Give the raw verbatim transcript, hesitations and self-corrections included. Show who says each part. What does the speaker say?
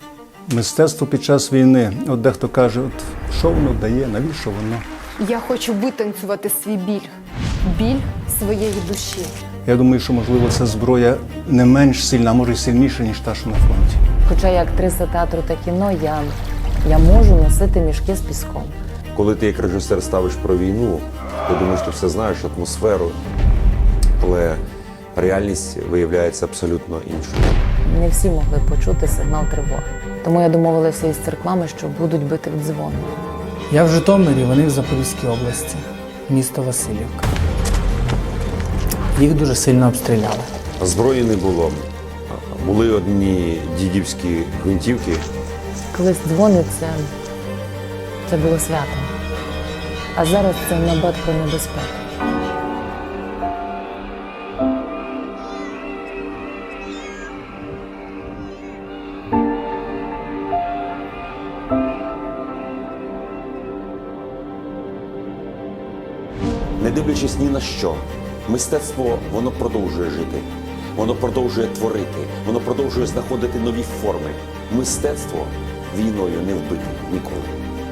Speaker 1: Мистецтво під час війни. От дехто каже, от що воно дає, навіщо воно?
Speaker 2: Я хочу витанцювати свій біль. Біль своєї душі.
Speaker 1: Я думаю, що, можливо, ця зброя не менш сильна, а може й сильніша, ніж та, що на фронті.
Speaker 3: Хоча я актриса театру та кіно, я, я можу носити мішки з піском.
Speaker 4: Коли ти як режисер ставиш про війну, ти думаєш, ти все знаєш, атмосферу, але реальність виявляється абсолютно іншою.
Speaker 3: Не всі могли почути сигнал тривоги. Тому я домовилася із церквами, що будуть бити в дзвони.
Speaker 5: Я в Житомирі, вони в Запорізькій області, місто Васильівка. Їх дуже сильно обстріляли.
Speaker 4: Зброї не було. Були одні дідівські гвинтівки.
Speaker 3: Колись дзвони це, це було свято. А зараз це набат про небезпеку.
Speaker 4: Не дивлячись ні на що, мистецтво, воно продовжує жити, воно продовжує творити, воно продовжує знаходити нові форми. Мистецтво війною не вбите ніколи.